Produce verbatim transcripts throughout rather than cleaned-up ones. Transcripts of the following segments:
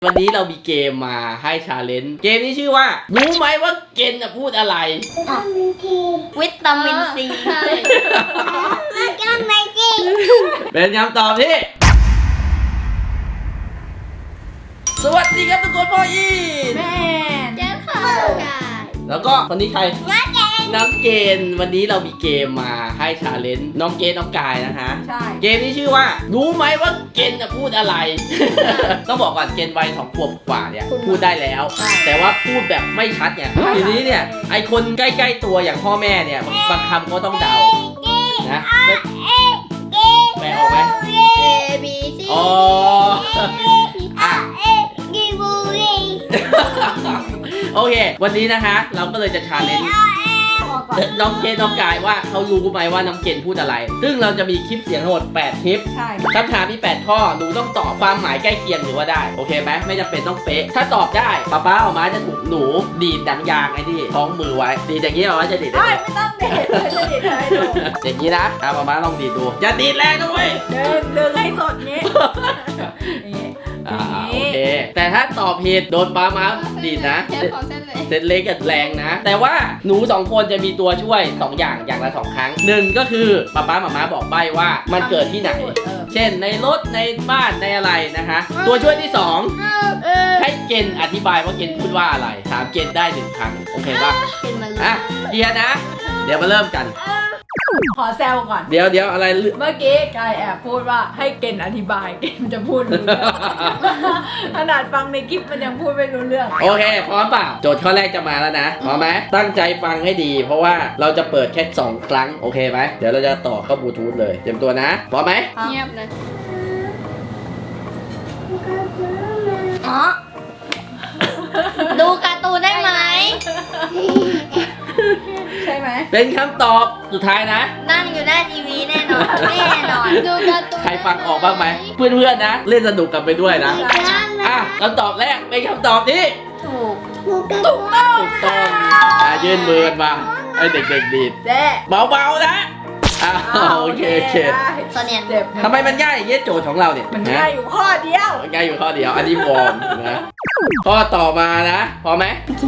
วันนี้เรามีเกมมาให้ชาเลนจ์เกมนี้ชื่อว่ารู้ไหมว่าเกนจะพูดอะไรวิตามินซีใช่วิตามินซีเป็นคำตอบที่สวัสดีครับทุกคนพ่ออีแม่เจ้าค่ะแล้วก็คนนี้ใครน้องเกณฑ์วันนี้เรามีเกมมาให้ชาเลนจ์น้องเกณฑ์น้องกายนะฮะใช่เกมนี้ชื่อว่ารู้ไหมว่าเกณฑ์จะพูดอะไร ต้องบอกก่อนเกณฑ์วัยสองขวบกว่าเนี่ยพูดได้แล้วแต่ว่าพูดแบบไม่ชัดเนี่ยทีนี้เนี่ยไอคนใกล้ๆตัวอย่างพ่อแม่เนี่ยบางคำก็ต้องเดานะแปลออกไหม A B C อ๋ออ่ะโอเควันนี้นะคะเราก็เลยจะชาเลนจ์น้องเกณฑ์น้องกายว่าเขารู้ไหมว่าน้องเกณฑ์พูดอะไรซึ่งเราจะมีคลิปเสียงทั้งหมดแปดคลิปคำถามมีแปดข้อหนูต้องตอบความหมายใกล้เคียงหรือว่าได้โอเคไหมไม่จำเป็นต้องเป๊ะถ้าตอบได้ป๊าป๊าออกมาจะถูกหนูดีดดังยางไอ้นี่คล้องมือไว้ดีดอย่างนี้เอาไว้จะดีดได้ไม่ต้องดีดจะดีดให้ดูอย่างนี้นะอ่ะป๊าป๊าลองดีดดูอย่าดีดแรงนะเว้ยเดินเดินให้สดนี้อ่าโอเคแต่ถ้าตอบผิดโดนป๊ามาดีดนะเซตเล็กกับแรงนะแต่ว่าหนูสองคนจะมีตัวช่วยสองอย่างอย่างละสองครั้งหนึ่งก็คือป๊าป๊าหม่าม้าบอกใบ้ว่ามันเกิดที่ไหนเช่นในรถในบ้านในอะไรนะคะตัวช่วยที่สองให้เกณฑ์อธิบายว่าเกณฑ์พูดว่าอะไรถามเกณฑ์ได้หนึ่งครั้งโอเคป่ะอ่ะเกียร์นะเดี๋ยวมาเริ่มกันขอแซวก่อนเดี๋ยวเดี๋ยวอะไรเมื่อกี้กายแอบพูดว่าให้เกณฑ์อธิบายเกณฑ์จะพูดรู้เรื่องขนาดฟังในคลิปมันยังพูดไม่รู้เรื่องโอเคพร้อมเปล่าโจทย์ข้อแรกจะมาแล้วนะพร้อมไหมตั้งใจฟังให้ดีเพราะว่าเราจะเปิดแค่สองครั้งโอเคไหมเดี๋ยวเราจะต่อเข้าบลูทูธเลยเตรียมตัวนะพร้อมไหมเงียบเลยอ๋อดูการ์ตูนได้ไหมใช่ไหมเป็นคำตอบสุดท้ายนะนั่งอยู่หน้าทีวีแน่นอนแน่นอนดูการ์ตูนใครฟังออกบ้างไหมเพื่อนๆนะเล่นสนุกกันไปด้วยนะอ่ะคำตอบแรกเป็นคำตอบที่ถูกถูกต้องถูกต้องอ่ะยื่นมือกันมาให้เด็กๆดีดเบาๆนะอ่ะโอเคโอเคตอนนี้เจ็บทำไมมันง่ายอย่างเงี้ยโจทย์ของเราเนี่ยมันง่ายอยู่ข้อเดียวมันง่ายอยู่ข้อเดียวอันนี้วอร์มนะข้อต่อมานะพอไหม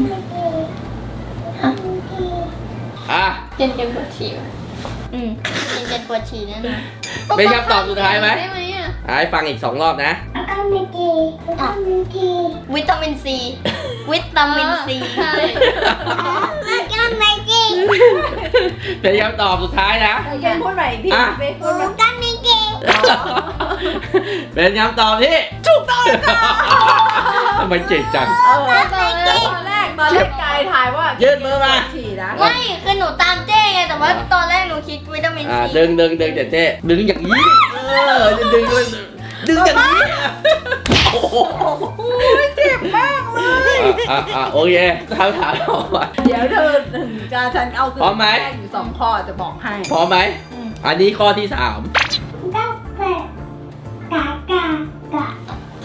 อ่ะเจนเจนปวดฉี่อืมเจนเจนปวดฉี่แน่นอนเป็นคำตอบสุดท้ายไหมได้ไหมอ่ะให้ฟังอีกสองรอบนะวิตามินซีวิตามินซีใช่วิตามินซีเป็นคำตอบสุดท้ายนะเจนพูดใหม่อีกทีวิตามินซีเป็นคำตอบที่ถูกต้องทำไมเจ๋งจังเออตอนแรกตอนแรกตอนแรกกายถ่ายว่ายืดมือมาไม่คือหนูตามเจ๊ไงแต่ว่าตอนแรกหนูคิดวิตามินซีดึงดึงดึงเจ๊เจ๊ดึงอย่างนี้เออดึงดึงดึงอย่างนี้โอ้โหเจ็บมากเลยอ่ะอ่ะโอเคถามถามออกมาเดี๋ยวเธอถึงจะฉันเอาคือพร้อมไหมอยู่สองข้อจะบอกให้พร้อมไหมอันนี้ข้อที่สามกาแฟกากากา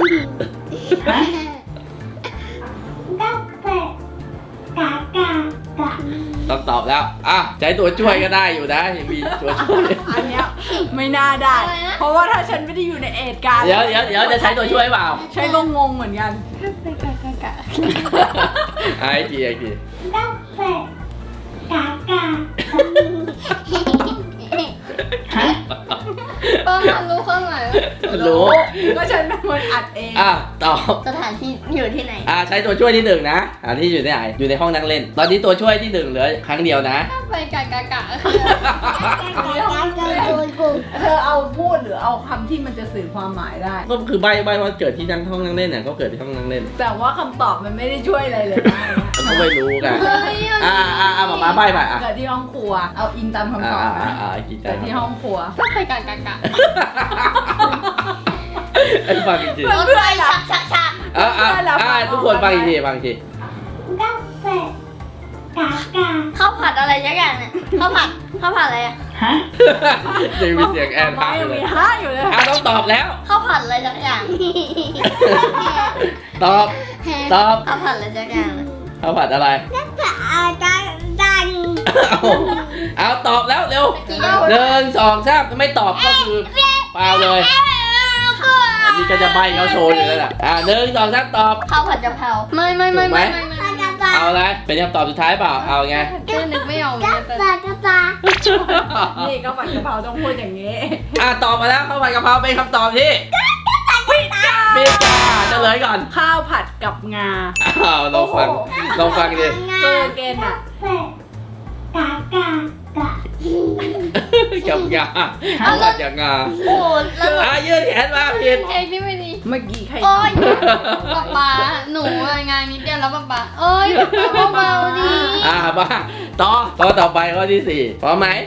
กาแฟกากากาต้องตอบแล้วอ่ะใช้ตัวช่วยก็ได้อยู่นะยังมีตัวช่วยอันนี้ไม่น่าได้เพราะว่าถ้าฉันไม่ได้อยู่ในเหตุการณ์เดี๋ยวเดี๋ยวเดี๋ยวจะใช้ตัวช่วยเปล่าใช้ก็งงเหมือนกันกากากาไอ้กี่ไอ้กี่กาแฟกากาป้ามันรู้ข้อหมายรู้ก็ฉันเป็นคนอัดเองอ่ะตอบสถานที่อยู่ที่ไหนอ่ะใช้ตัวช่วยที่หนึ่งนะอันที่อยู่ที่ไหนอยู่ในห้องนั่งเล่นตอนนี้ตัวช่วยที่หนึ่งเหลือครั้งเดียวนะไปกะกะกะเธอเอาพูดหรือเอาคำที่มันจะสื่อความหมายได้ก็คือใบใบว่าเกิดที่นั่งห้องนั่งเล่นเนี่ยก็เกิดที่ห้องนั่งเล่นแต่ว่าคำตอบมันไม่ได้ช่วยอะไรเลยนะก็ไม่รู้กันอ่าอ่าอ่ามามาใบไปอ่ะเกิดที่ห้องครัวเอาอินตามคำตอบนะเกิดที่ห้องครัวก็ไปกะกะกะไอ้ฟังจริงๆเพื่อนชักชักชักอ่าอ่าทุกคนฟังอีกทีฟังอีกทีกาแฟกากาข้าวผัดอะไรสักอย่างเนี่ยข้าวผัดข้าวผัดอะไรอะฮะยังมีเสียงแอนฮะอยู่เลยฮะอยู่เลยอ่ะต้องตอบแล้วข้าวผัดอะไรสักอย่างตอบตอบข้าวผัดอะไรสักอย่างข้าวผัดอะไรข้าวผัดอะไรดันเอาตอบแล้วเร็วหนึ่งสองสามไม่ตอบก็คือเปล่าเลยนี่ก็จะใบเขาโชว์อยู่แล้วแหละอ่ะหนึ่งสองสามตอบข้าวผัดกะเพราไม่ไม่ไม่ไม่ไม่ไม่เอาอะไรเป็นคำตอบสุดท้ายเปล่าเอาไงเจ๊นึกไม่ออกเลยแต่นี่ก็ผัดกะเพราต้องพูดอย่างนี้อ่ะตอบมาแล้วข้าวผัดกะเพราเป็นคำตอบที่ผิดจ้าเฉลยก่อนข้าวผัดกับงาอ้าวลองฟังลองฟังดิคือเกณฑ์อ่ะกับยาข้าวผัดกับงาโอ้แล้วอ่ะยืดแขนมาผิดเพลงที่ไม่ดีเมื่อกี้ใครโอ้ยป๊าป๊าหนูอะงานนิดเดียวแล้วป๊าป๊าเอ้ยป๊าป๊าเบาๆดีอ่ะมาต่อต่อต่อไปข้อที่สี่พร้อมไหม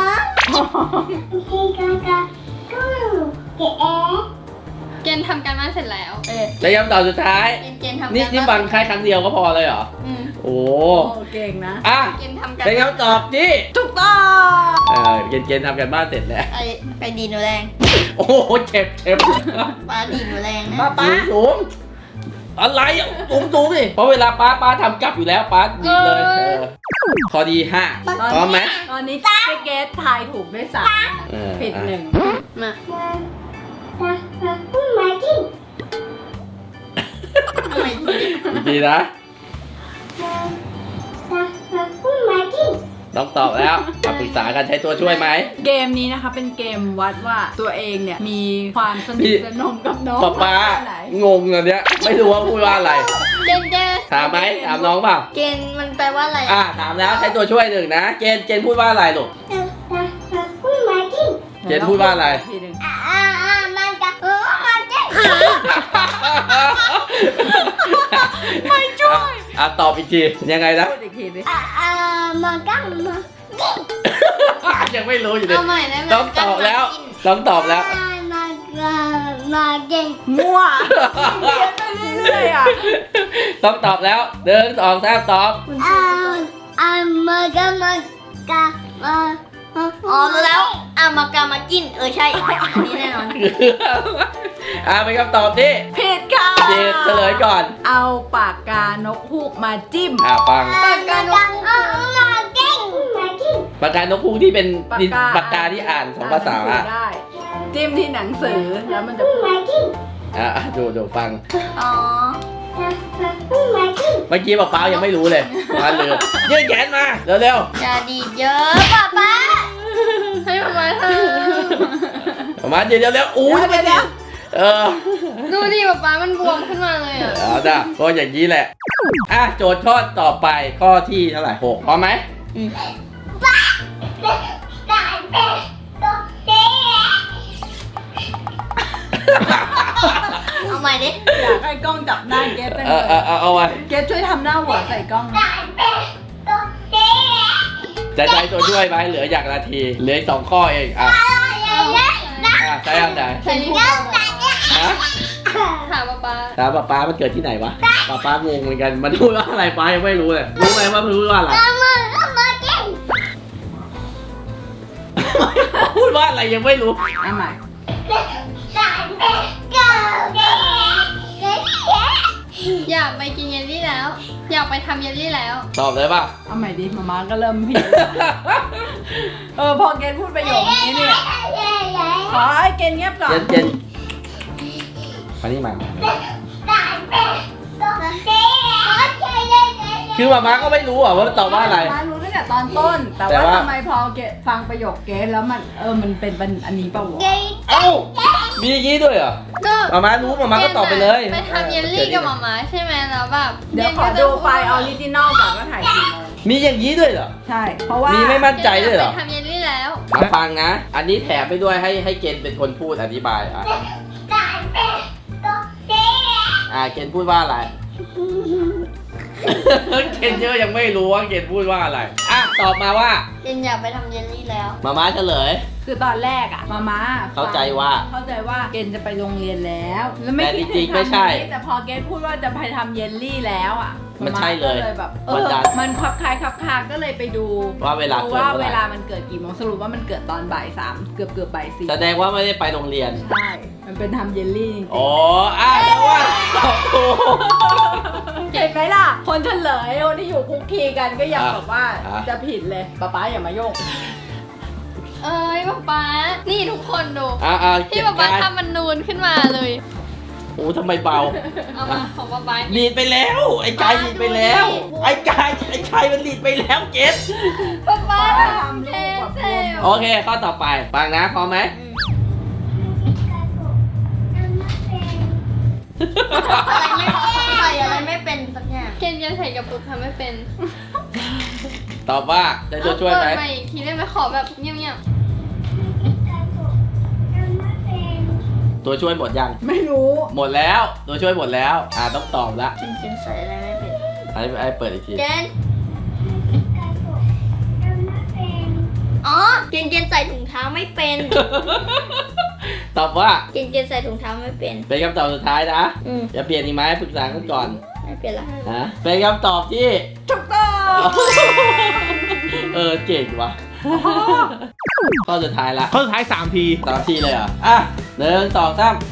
เกณฑ์ทำการบ้านเสร็จแล้วเอ๊ะแล้วคำตอบสุดท้ายเกณฑ์เกณฑ์ทำการบ้านนี่นี่ฟังแค่ครั้งเดียวก็พอเลยเหรออืมโอ้โอ้เก่งนะอ่ะเกณฑ์ทำการเป็นคำตอบที่ถูกต้องเออเกณฑ์เกณฑ์ทำกันบ้านเสร็จแล้วไปไปดีหนูแรงโอ้โหเจ็บเจ็บป้าดีหนูแรงนะป้าป้าสูงสูงอะไรอ่ะสูงสูงดิเพราะเวลาป้าป้าทำกลับอยู่แล้วป้าดีเลยเออข้อที่ห้าพร้อมไหมตอนนี้เจ๊เกสทายถูกด้วยสามเออผิดหนึ่งมา ทำไมทีอีกทีนะต้องตอบแล้วมาปรึกษากันใช้ตัวช่วยไหมเกมนี้นะคะเป็นเกมวัดว่าตัวเองเนี่ยมีความสนิทสนมกับน้องป้าป้ามากแค่ไหนงงเลยเนี้ยไม่รู้ว่าพูดว่าอะไรเกณฑ์เกณฑ์ถามไหมถามน้องเปล่าเกณฑ์มันแปลว่าอะไรอ่ะถามแล้วใช้ตัวช่วยหนึ่งนะเจนเจนพูดว่าอะไรลูก เจนพูดว่าอะไรทีหนึ่งไม่ช่วยอ่ะตอบอีกทียังไงนะพูดอีกทีดิยังไม่รู้อยู่ดิเอาใหม่ได้ไหมต้องตอบแล้วต้องตอบแล้วมั่วเรียนไปเรื่อยๆอ่ะต้องตอบแล้วเดินสองสามตอบอ๋อรู้แล้วอามากามากิน เออใช่อันนี้แน่นอนอ่ะเป็นคำตอบที่ผิดค่ะเจนเฉลยก่อนเอาปากกานกฮูกมาจิ้มอ่ะฟังปากกานกปากกานกฮูกที่เป็นปากดินกาปากกาที่อ่านสองภาษาอ่นหนัอ่ะสือได้ จิ้มที่หนังสือแล้วมันจะพูดอ่ะอ่ะดูดูฟังอ๋อเมื่อกี้ป้าป้ายังไม่รู้เลยมาเลยยื่นแขนมาเร็วอย่าดีดเยอะป้าป้าให้มามาเถอะๆประมาณยืนเร็วๆอู้ยไม่ได้เออดูดิป้าป้ามันบวมขึ้นมาเลยอ่ะเอาจ้ะก็อย่างนี้แหละอ่ะโจทย์ข้อต่อไปข้อที่เท่าไหร่หกพร้อมไหมเอาใหม่ดิอยากให้กล้องจับหน้าเกสจังเอเลอเออย เอาเอาไว้เกสช่วยทำหน้าหัวใส่กล้องนะจะใช้ตัวช่วยไหมเหลืออย่างนาทีเหลืออีกสองข้อเองอ่ะอ่ะใช้อันไหนใส่นิ้วฮะถามป้าป้าถามป้าป้ามันเกิดที่ไหนวะป้าป้างงเหมือนกันมันพูดว่าอะไรป้ายังไม่รู้เลยรู้ไหมว่ามันพูดว่าอะไรพูดว่าอะไรยังไม่รู้เอาใหม่อยากไปกินเยลลี่แล้ว อยากไปทำเยลลี่แล้วตอบเลยป่ะเอาใหม่ดิมาม่าก็เริ่มผิดเออพอเกสพูดประโยคนี้เนี่ยขอให้เกสเงียบก่อเจนนเจนมานี่มาคือมาม่าก็ไม่รู้อ่ะว่ามันตอบว่าอะไรมารู้ตั้งแต่ตอนต้น แต่แต่ว่าว่าทำไมพอเกสฟังประโยคเกสแล้วมันเออมันเป็นเป็นอันนี้เปล่าวะเอ้ามีอย่างนี้ด้วยเหรอก็มาม่ารู้มาม่าก็ตอบไปเลยไปทำเยลลี่กับมาม่าใช่ไหมแล้วแบบเดี๋ยวขอดูไฟล์ออริจินอลก่อนว่าถ่ายกี่โมงมีอย่างนี้ด้วยเหรอใช่ เพราะว่ามีมีไม่มั่นใจด้วยเหรอไปทำเยลลี่แล้วมาฟังนะ อันนี้แถมไปด้วยให้ให้เกณฑ์เป็นคนพูดอธิบายอ่ะอ่าเกณฑ์พูดว่าอะไร เกณฑ์เยอะยังไม่รู้ว่าเกณฑ์พูดว่าอะไรอ่ะตอบมาว่าเจนอยากไปทำเยลลี่แล้วมาม่าเฉลยคือตอนแรกอะมาม่าเข้าใจว่าเข้าใจว่าเกณฑ์จะไปโรงเรียนแล้วแล้วไม่แต่คิดจริถึงงๆไม่ใช่ทำนี้แต่พอเกณฑ์พูดว่าจะไปทำเยลลี่แล้วอะมันใช่เลยก็เลยแบบเอวันอจันทร์มันคลับคล้ายคลับคาก็เลยไปดูว่าเวลาดูเกิดว่าเมื่อเวไหลาร่มันเกิดกี่โมงสรุปว่ามันเกิดตอนบ่ายสามเกือบเกือบบ่ายสี่แสดงว่าไม่ได้ไปโรงเรียนใช่ มันเป็นทำเยลลี่จริงๆอ๋ออ่ะแปลว่าตอบถูกเห็นไหมล่ะ คนเฉลยคนที่อยู่คุกคีกันก็ยังอ่ะแบบว่าอ่ะจะผิดเลยป๊าป๊าอย่ามาโยกเอ้ยป๊าป๊านี่ทุกคนดูอ่ะอ่ะที่ป๊าป๊าทำมันนูนขึ้นมาเลยโอ้ทำไมเบาเอามาของป๊าป๊าดีดไปแล้ว ไอ้กายดีดไปแล้ว ไอ้กายไอ้กายมันดีดไปแล้วเกสป๊าป๊าทำลูกแบบเซลโอเคข้อต่อไปฟังนะพร้อมไหมใส่อะไรไม่เป็นสักอย่างเกนยังใส่กระปุกทำไม่เป็นตอบว่าจะตัวช่วยไหมเปิดใหม่อีกทีได้ไหมขอแบบเงียบตัวช่วยหมดยังไม่รู้หมดแล้วตัวช่วยหมดแล้วอ่าต้องตอบละๆจริงๆใส่อะไรไม่เป็นไอ้ไอ้เปิดอีกทีเกนอ๋อเกนเกนใส่ถุงเท้าไม่เป็นตอบว่าเกนเกนใส่ถุงเท้าไม่เป็นเป็นคำตอบสุดท้ายนะอืมจะเปลี่ยนอีกไหมปรึกษากันก่อนไม่เป็นละนะเป็นคำตอบที่ถูกต้องเออเก่งว่ะข้อสุดท้ายละข้อสุดท้ายสามทีสามทีเลยเหรออ่ะหนึ่งสองสาม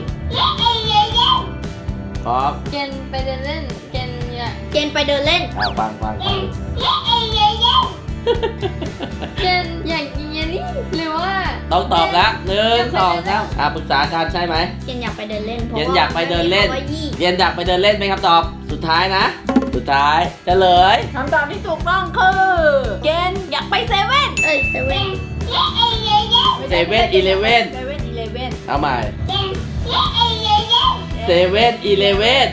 พร้อมเกนไปเดินเล่นเกนอยากเกนไปเดินเล่นอ่าฟังฟังฟังเกนอยากกินเยลลี่หรือว่าต้องตอบละหนึ่งสองสามอ่ะปรึกษากันใช่ไหมเกนอยากไปเดินเล่นเพราะเกนว่าอยากไปเดินเล่นพราะว่ายี่เรียนอยากไปเดินเล่นเป็นคำตอบสุดท้ายนะ สุดท้ายเฉลยคำตอบที่ถูกต้องคือ เกณฑ์อยากไปเซเว่นเอ้ยเซเว่นเซเว่นอีเลเว่นเซเว่นอีเลเว่นเอาใหม่เซเว่นอีเลเว่น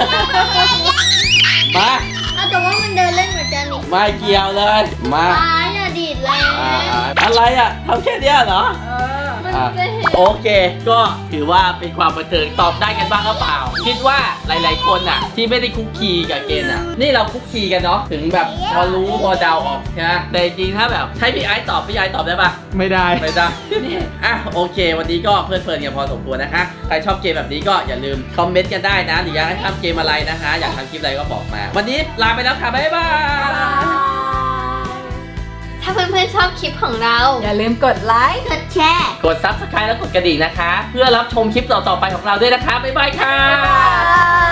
มาอ้าวแต่ว่ามันเดินเล่นเหมือนกันนี่ไม่เกี่ยวเลยมาป้าอย่าดีดแรงอ่าอะไรอ่ะทำแค่เนี้ยเหรอเออมันอ่ะจะเห็นโอเค ก็ถือว่าเป็นความบันเทิงตอบได้กันบ้างหรือเปล่า คิดว่าหลาย ๆ คนอ่ะ ที่ไม่ได้คุกคีกับเกณฑ์อ่ะ นี่เราคุกคีกันเนาะถึงแบบพอรู้พอเดาออกใช่ไหมแต่จริงๆถ้าแบบให้พี่ไอซ์ตอบพี่ไอซ์ตอบได้ปะไม่ได้ไม่ได้ อ่ะโอเค วันนี้ก็เพลิดเพลินกันพอสมควรนะคะ ใครชอบเกมแบบนี้ก็อย่าลืมคอมเมนต์กันได้นะ หรืออยากให้ทำเกมอะไรนะคะ อยากทำคลิปอะไรก็บอกมา วันนี้ลาไปแล้วค่ะ บ๊ายบายถ้าเพื่อนๆชอบคลิปของเราอย่าลืมกดไลค์กดแชร์กด ซับสไครบ์ และกดกระดิ่งนะคะ เพื่อรับชมคลิปต่อๆไปของเราด้วยนะคะ บ๊ายบายค่ะบ๊ายบาย